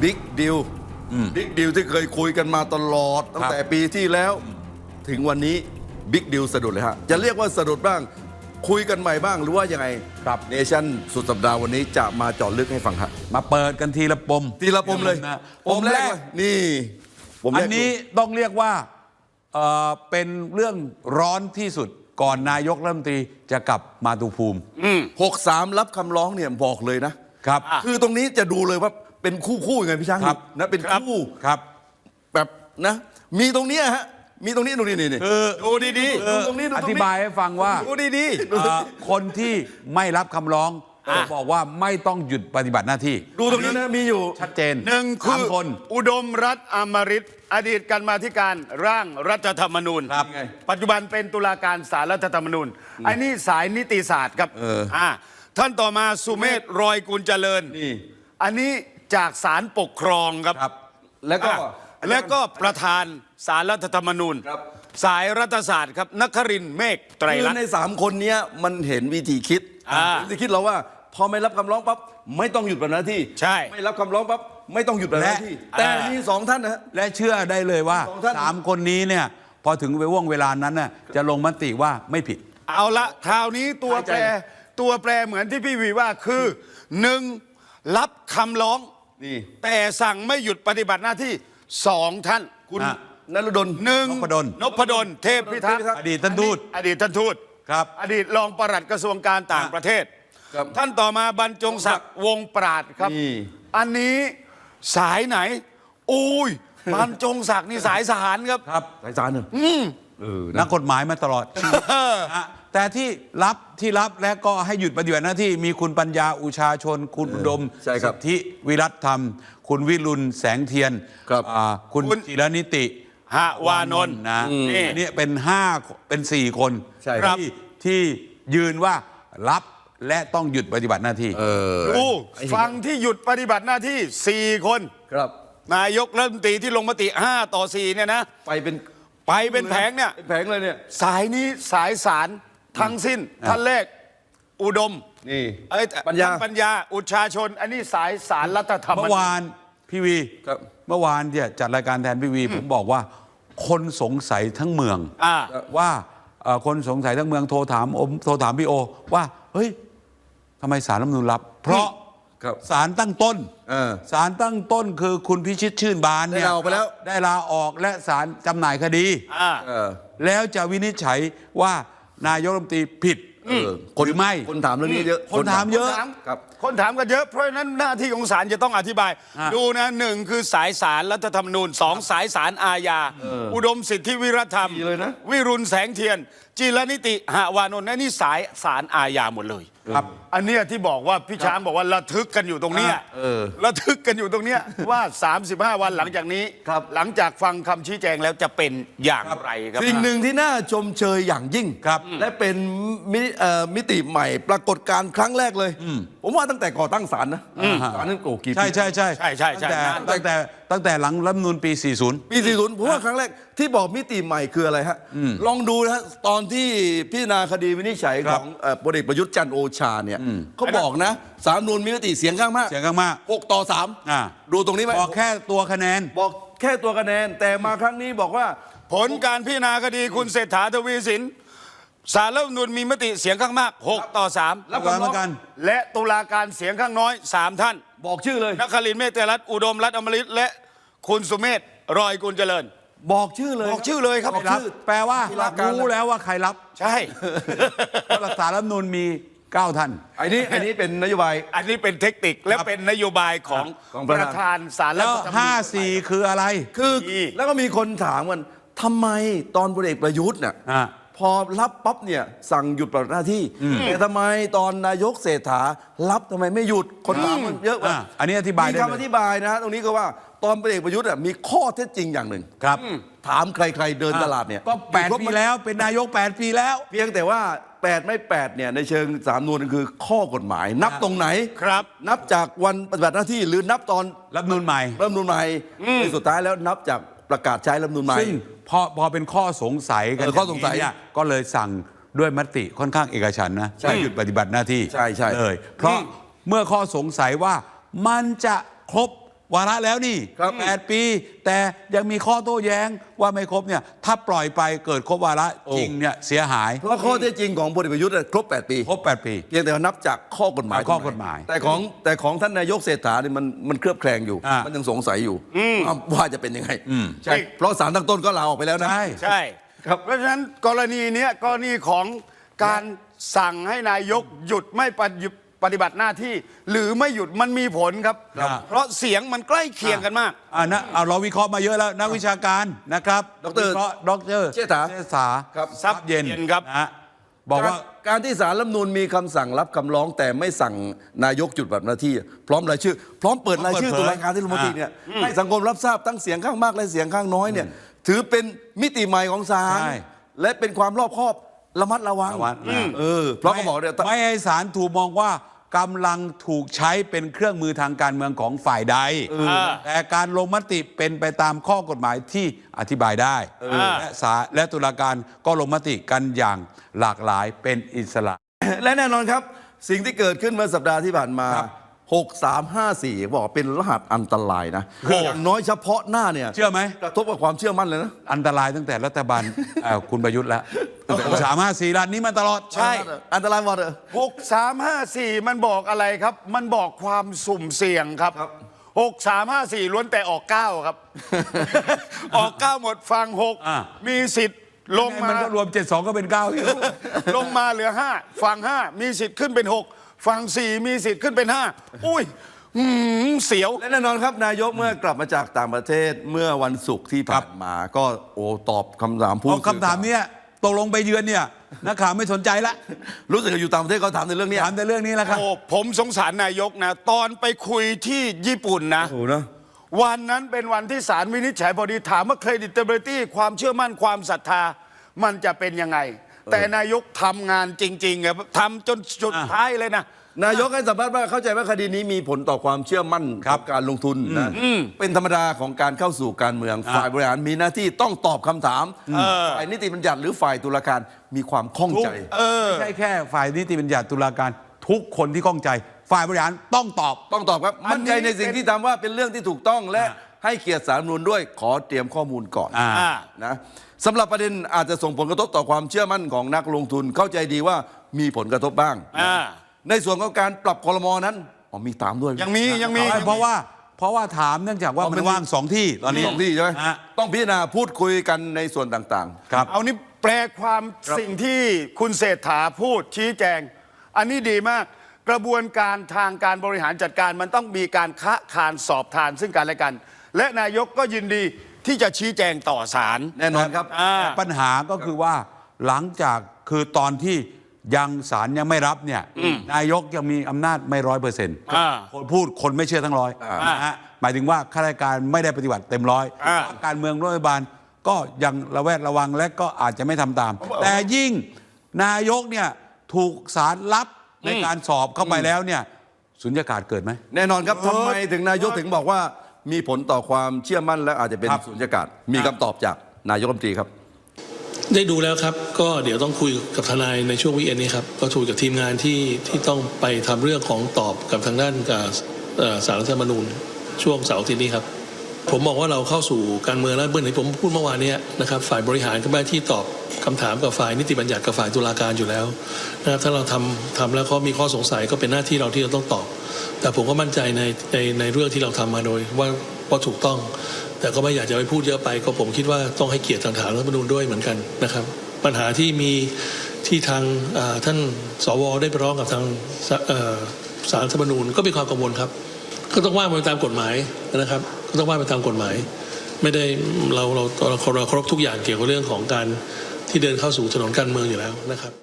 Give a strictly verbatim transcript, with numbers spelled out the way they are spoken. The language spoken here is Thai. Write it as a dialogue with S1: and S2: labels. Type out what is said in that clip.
S1: บิ๊กดิวบิ๊กดิวที่เคยคุยกันมาตลอดตั้งแต่ปีที่แล้วถึงวันนี้บิ๊กดิวสะดุดเลยฮะจะเรียกว่าสะดุดบ้างคุยกันใหม่บ้างหรือว่ายังไงครับเนชั่นสุดสัปดาห์วันนี้จะมาเจาะลึกให้ฟังครับ
S2: มาเปิดกันทีละปม
S1: ทีละปมเลย
S2: นะ
S1: ปมแรกนี่
S2: อันนี้ต้องเรียกว่าเอ่อเป็นเรื่องร้อนที่สุดก่อนนายกรัฐมนตรีจะกลับมาตุภูมิ
S1: หกสามรับคำร้องเนี่ยบอกเลยนะครับคือตรงนี้จะดูเลยว่าเป็นคู่คู่ยังไงพี่ช้างนะเป็นคู่
S2: ครับ
S1: แบบนะมีตรงนี้ฮะมีตรงนี้ตรงนี้นี่
S2: คือ
S1: ดูดีๆดูตรงนี้
S2: อธิบายให้ฟังว่า
S1: ดูดี
S2: ๆคนที่ไม่รับคำร้องบอกว่าไม่ต้องหยุดปฏิบัติหน้าที่
S1: ดูตรงนี้นะมีอยู่
S2: ชัดเจน
S3: หนึ่งคืออุดมรัฐอมฤตอดีตกรรมาธิการร่างรัฐธรรมนูญปัจจุบันเป็นตุลาการศาลรัฐธรรมนูญไอ้นี่สายนิติศาสตร์ครับอ่าท่านต่อมาสุเมธรอยกุลเจริญนี่อันนี้จากศาลปกครองครับ
S1: แล้วก็
S3: แล้วก็ประธานศาลรัฐธรรมนูญสายรัฐศาสตร์ครับนครินทร์เมฆไตรรัตน์
S1: ในสามคนนี้มันเห็นวิธีคิดวิธีคิดเราว่าพอไม่รับคำร้องปั๊บไม่ต้องหยุดปฏิบัติหน้าที่
S3: ใช่
S1: ไม่รับคำร้องปั๊บไม่ต้องหยุดปฏิบัติหน้าที่แต่มีสองท่านนะ
S2: และเชื่อได้เลยว่าสามคนนี้เนี่ยพอถึงไปว่วงเวลานั้นน่ะจะลงมติว่าไม่ผิด
S3: เอาละคราวนี้ตัวแปรตัวแปรเหมือนที่พี่วีว่าคือหนึ่งรับคำร้อง
S1: นี่
S3: แต่สั่งไม่หยุดปฏิบัติหน้าที่สองท่าน
S1: คุณนฤดล
S3: หนึ่ง
S2: นพดล
S3: นพดลเทพพิทักษ์
S2: อดีตท่านทูต
S3: อดีตท่านทูต
S2: ครับ
S3: อดีตรองปลัดกระทรวงการต่างประเทศท่านต่อมาบรรจงศักดิ์วงปราดครับอันนี้สายไหนอุ้ยบรรจงศักดิ์นี่สายศาลครับ
S2: ครับ
S1: สายศาลเนอะ
S2: นักกฎหมายมาตลอดแต่ที่รับที่รับและก็ให้หยุดปฏิบัติหน้าที่มีคุณปัญญาอุชาชนคุณอุดมสิทธิวิรัตธรรมคุณวิรุณแสงเทียนคุณจิรนิติ
S3: หวานนท์
S2: นะนี่เป็นห้าเป็นสี่คนที่ที่ยืนว่ารับและต้องหยุดปฏิบัติหน้าที่
S3: ดูฟังที่หยุดปฏิบัติหน้าที่สี่คน
S1: ครับ
S3: นายกรัฐมนตรีที่ลงมติห้าต่อสี่เนี่ยนะ
S1: ไปเป็น
S3: ไปเป็นแผงเนี่ย
S1: แผงเลยเนี่ย
S3: สายนี้สายสารทั้งสิ้นท่านแรกอุดม
S1: นี่
S3: ปัญญาปัญญาอุชาชนอันนี้สายสารรัฐธรรมนูญ
S2: เมื่อวานพี่วีเมื่อวานเนี่ยจัดรายการแทนพี่วีผมบอกว่าคนสงสัยทั้งเมืองว่าคนสงสัยทั้งเมืองโทรถามอมโทรถามพี่โอว่าเฮ้ยทำไมศาลรัฐธรรมนูญรับเพราะศาลตั้งต้นศาลตั้งต้นคือคุณพิชิตชื่นบานเนี่ย
S1: ได้ลาออกไปแล้ว
S2: ได้ลาออกและศาลจำหน่ายคดีแล้วจะวินิจฉัยว่านายกรัฐมนตรีผิดหรือไม่
S1: คนถามเรื่องนี้เยอะ
S2: คนถามเยอะ
S3: ครับคนถามกันเยอะเพราะฉะนั้นหน้าที่ของศาลจะต้องอธิบายดูนะหนึ่งคือสายศาลรัฐธรรมนูญสองสายศาลอาญาอุดมสิทธิวิรธรรมวิรุณแสงเทียนจิรนิติหวานนท์นี่สายศาลอาญาหมดเลยครับอันนี้ที่บอกว่าพี่ช้างบอกว่าระทึกกันอยู่ตรงนี้ระทึกกันอยู่ตรงนี้ว่าสามสิบห้าวันหลังจากนี้หลังจากฟังคำชี้แจงแล้วจะเป็นอย่างไรครับ
S1: สิ่งหนึ่งที่น่าชมเชยอย่างยิ่งและเป็นมิติใหม่ปรากฏการณ์ครั้งแรกเลยผมว่าตั้งแต่ก่อตั้งศาลนะศาลนั้นโกกี่ปี
S2: ใช่ใช่ใช่
S3: ใช่ใช่ใช่
S2: ตั้งแต่ตั้งแต่หลังรัฐธรรมนูญปีสี่สิบ
S1: ปีสี่สิบผมว่าครั้งแรกที่บอกมิติใหม่คืออะไรฮะลองดูนะฮะตอนที่พิจารณาคดีวินิจฉัยของพลเอกประยุทธ์จันทร์โอชาเนี่ยเขาบอกนะศาลรัฐธรรมนูญมีมติเสียงข้างมาก
S2: เสียงข้างมาก
S1: หกต่อสามดูตรงนี้ไหม
S2: บอกแค่ตัวคะแนน
S1: บอกแค่ตัวคะแนนแต่มาครั้งนี้บอกว่า
S3: ผลการพิจารณาคดีคุณเศรษฐาทวีสินศาลรัฐธรรมนูญมีมติเสียงข้างมากหกต่อสาม
S2: รับกันเหมือนกัน
S3: และตุลาการเสียงข้างน้อยสามท่าน
S1: บอกชื่อเลย
S3: นครินทร์เมฆไตรรัตน์อุดมรัฐอมฤตและคุณสุเมธรอยกุลเจริญ
S1: บอกชื่อเลย
S3: บอกชื่อเลยครับ
S2: แปลว่ารู้แล้วว่าใครรับ
S3: ใช่
S2: เพราะศาลรัฐธรรมนูญมีเก้าท่าน
S1: อันนี้อันนี้เป็นนโยบาย
S3: อันนี้เป็นเทคนิคและเป็นนโยบายของประธานศาลรัฐธรรมนูญ
S2: ห้าสี่คืออะไร
S1: คือแล้วก็มีคนถามกันทำไมตอนพลเอกประยุทธ์เนี่ยพอรับปั๊บเนี่ยสั่งหยุดปฏิบัติหน้าที่แต่ทำไมตอนนายกเศรษฐารับทำไมไม่หยุดคนถามมันเยอะกว่า
S2: อันนี้อธิบาย
S1: มีคำอธิบายนะตรงนี้ก็ว่าตอนพลเอกประยุทธ์มีข้อเท็จจริงอย่างหนึ่ง
S2: ครับ
S1: ถามใครๆเดินตลาดเนี่ย
S2: ก็แปดปีแล้วเป็นนายกแปดปีแล้ว
S1: เพียงแต่ว่าแปดไม่แปดเนี่ยในเชิงสามนูนคือข้อกฎหมายนับตรงไหน
S3: ครับ
S1: นับจากวันปฏิบัติหน้าที่หรือนับตอน
S2: รัฐธรรมนูญใหม่
S1: รัฐธรรมนูญใหม่ในสุดท้ายแล้วนับจากประกาศใช้รัฐธรรมนูญใหม่
S2: ซึ่งพอพอเป็นข้อสงสัยกัน
S1: ข้อสงสัย
S2: เนี่ยก็เลยสั่งด้วยมติค่อนข้างเอกฉันท์นะให้หยุดปฏิบัติหน้าที่
S1: ใช่ใช่
S2: เลยเพราะเมื่อข้อสงสัยว่ามันจะครบวาระแล้วนี่
S1: ครับ
S2: แปดปี แต่ยังมีข้อโต้แย้งว่าไม่ครบเนี่ยถ้าปล่อยไปเกิดครบวาระจริงเนี่ยเสียหาย
S1: เพราะข้อเท็จจริงของพลเอกประยุทธ์เนี่ยครบแปดปี
S2: ครบแปดปี
S1: เพียงแต่ว่านับจากข้อกฎหมาย
S2: อ่าข้อกฎหมาย
S1: แต่ของแต่ของท่านนายกเศรษฐาเนี่ยมันมันเคลือบแคลงอยู่
S2: อ่ามั
S1: มันยังสงสัยอยู่ว่าว่าจะเป็นยังไง
S2: อืม
S1: ใช่เพราะศาลตั้งต้นก็ลาออกไปแล้วนะ
S2: ใช่
S3: ใช่ครับเพราะฉะนั้นกรณีเนี้ยกรณีของการสั่งให้นายกหยุดไม่ปฏิปฏิบัติหน้าที่ หรือไม่หยุดมันมีผลครับ
S2: ครับ
S3: เพราะเสียงมันใกล้เคียงกันมาก
S2: อ่านะเอาเราวิเคราะห์มาเยอะแล้วนักวิชาการนะครับ
S1: ดร
S2: วิเคราะห์ดร
S1: เชษฐา
S2: เชษฐา
S1: ครับ
S2: ทรัพย์เย็น
S3: ทรัพย์เย็นครับ
S2: นะฮะบอกว่า
S1: การการที่ศาลรัฐธรรมนูญมีคำสั่งรับคำร้อง แต่ไม่สั่งนายกจุดบัตรหน้าที่ พร้อมรายชื่อ พร้อมเปิดรายชื่อ
S2: พร้อม
S1: ตุ
S2: เปิดเผย
S1: ลาการที่รัฐมนตรีเนี่ย
S2: อ่า
S1: ให้สังคมรับทราบทั้งเสียงข้างมากและเสียงข้างน้อยเนี่ยถือเป็นมิติใหม่ของศาล
S2: ใช่
S1: และเป็นความรอบคอบระมัดระวัง
S2: ระวังอืม
S1: เออเพราะเขาบอกเนี่ย
S2: ไม่ให้ศาลถูกมองว่ากำลังถูกใช้เป็นเครื่องมือทางการเมืองของฝ่ายใด แต่การลงมติเป็นไปตามข้อกฎหมายที่อธิบายได้และศาลและตุลาการก็ลงมติกันอย่างหลากหลายเป็นอิสระ
S1: และแน่นอนครับ สิ่งที่เกิดขึ้นเมื่อสัปดาห์ที่ผ่านมา
S2: ครับ
S1: หก สาม ห้า สี่ บอกเป็นรหัสอันตรายนะอย่างน้อยเฉพาะหน้าเนี่ย
S2: เชื่อไหม
S1: กระทบกับความเชื่อมั่นเลยนะ
S2: อันตรายตั้งแต่รัฐบาล เอ่อคุณประยุทธ์แล้วสามห้าสี่รัฐนี้มาตลอด
S3: ใช่
S1: อันตรายหมดเลย
S3: หกสามห้าสี่มันบอกอะไรครับ มันบอกความสุ่มเสี่ยงครับ
S1: ครับ
S3: หกสามห้าสี่ล้วนแต่ออกเก้าครับ ออกเก้าหมดฟังหก
S2: อ่า
S3: มีสิทธิ์ลงมา
S2: นก็รวมเจ็ดสองก็เป็นเก้า
S3: ลงมาเหลือห้าฟังห้ามีสิทธิ์ขึ้นเป็นหกฟังสี่มีสิทธิ์ขึ้นเป็นห้าอุ้ยหืมเสียว
S1: และแน่นอนครับนายกเมื่อกลับมาจากต่างประเทศเมื่อวันศุกร์ที่ผ่านมา ก็โอ้ตอบคำถามผู้
S2: เอาคำถามเนี้ยตกลงไปเยือนเนี่ยนักข่าวไม่สนใจละ
S1: รู้สึกอยู่ต่างประเทศเขาถามในเรื่องเนี้ย
S2: ถามแต่เรื่องนี้แหละครับ
S3: โอ้ผมสงสารนายกนะ ตอนไปคุยที่ญี่ปุ่นนะ
S1: โอ้นะ
S3: วันนั้นเป็นวันที่ศาลวินิจฉัยพอดีถามว่า credibility ความเชื่อมั่นความศรัทธา มันจะเป็นยังไง แต่นายกทำงานจริงๆอะทำจนสุดท้ายเลยนะ
S1: นายกให้สัมภาษณ์ว่าเข้าใจว่าคดีนี้มีผลต่อความเชื่อมั่น
S2: ครับ
S1: กับการลงทุนนะเป็นธรรมดาของการเข้าสู่การเมือง
S2: อ่า
S1: ฝ่ายบริหารมีหน้าที่ต้องตอบคำถามฝ่ายนิติบัญญัติหรือฝ่ายตุลาการมีความข้องใจ
S2: ไม่ใช่แค่ฝ่ายนิติบัญญัติตุลาการทุกคนที่ข้องใจ ฝ่ายบริหารต้องตอบ
S1: ต้องตอบครับ
S3: อันนี้
S1: มั่นใจในสิ่งที่ทำว่าเป็นเรื่องที่ถูกต้องและให้เกียรติสาลรฐธรรมนูญด้วยขอเตรียมข้อมูลก่อน
S2: อ่า
S3: อ่า
S1: นะสำหรับประเด็นอาจจะส่งผลกระทบต่อความเชื่อมั่นของนักลงทุนเข้าใจดีว่ามีผลกระทบบ้าง
S3: อ่า
S1: ในส่วนของการปรับครมนั้นอ๋อมีตามด้วย
S3: ยังมียังมี
S2: ใช่เพราะว่าเพราะว่าถามเนื่องจากว่า
S1: อ๋อมั
S2: มัน นว่างสองที่ตอนนี้
S1: สองที่ใช่ไหม
S2: ฮะ
S1: ต้องพิจารณาพูดคุยกันในส่วนต่างๆ
S2: ครับ
S3: เอานี่แปลความสิ่งที่คุณเศรษฐาพูดชี้แจง อันนี้ดีมาก กระบวนการทางการบริหารจัดการมันต้องมีการคะคานสอบทานซึ่งกันและกัน และนายกก็ยินดีที่จะชี้แจงต่อศาล
S1: แน่นอนครับ
S3: อ่า
S2: ปัญหาก็คือว่าหลังจากคือตอนที่ยังศาลยังไม่รับเนี่ยนายกยังมีอำนาจไม่ร้อยเปอร์เซ็นต์
S3: อ่า
S2: คนพูดคนไม่เชื่อทั้งร้อย
S3: อ่าน
S2: นะฮะหมายถึงว่าข้าราชการไม่ได้ปฏิบัติเต็มร้อย
S3: อ่า
S2: การเมืองรัฐบาลก็ยังระแวดระวังและก็อาจจะไม่ทำตาม แต่ยิ่งนายกเนี่ยถูกศาลรับในการสอบเข้าไปแล้วเนี่ยสุญญากาศเกิดไหม
S1: แน่นอนครับทำไมถึงนายกถึงบอกว่ามีผลต่อความเชื่อมั่นและอาจจะเป็น
S2: ครับ
S1: สุญญากาศ มีคำตอบจากนายกรัฐมนตรีครับ
S4: ได้ดูแล้วครับ ก็เดี๋ยวต้องคุยกับทนายในช่วงวีคเอนนี้ครับ ก็คุยกับทีมงานที่ที่ต้องไปทำเรื่องของตอบกับทางด้านกับเอ่อศาลรัฐธรรมนูญช่วงเสาร์อาทิตย์นี้ครับ ผมบอกว่าเราเข้าสู่การเมืองแล้วเมื่อไหร่ผมพูดเมื่อวานเนี้นะครับฝ่ายบริหารก็ไม่ที่ตอบคำถามกับฝ่ายนิติบัญญัติกับฝ่ายตุลาการอยู่แล้วนะครับถ้าเราทำทำแล้วเขามีข้อสงสัยก็เป็นหน้าที่เราที่เราต้องตอบ แต่ผมก็มั่นใจในในในเรื่องที่เราทำมาโดยว่าว่าถูกต้อง แต่ก็ไม่อยากจะไปพูดเยอะไปก็ผมคิดว่าต้องให้เกียรติทางฐานรัฐธรรมนูญด้วยเหมือนกันนะครับ ปัญหาที่มีที่ทางเอ่อท่านสวได้ไปร้องกับทางศาเอ่อศาลรัฐธรรมนูญก็มีความกังวลครับ ก็ต้องว่าไปตามกฎหมายนะครับ ก็ต้องว่าไปตามกฎหมาย ไม่ได้เราเราเราเราเคารพทุกอย่างเกี่ยวกับเรื่องของการที่เดินเข้าสู่ถนนการเมืองอยู่แล้วนะครับ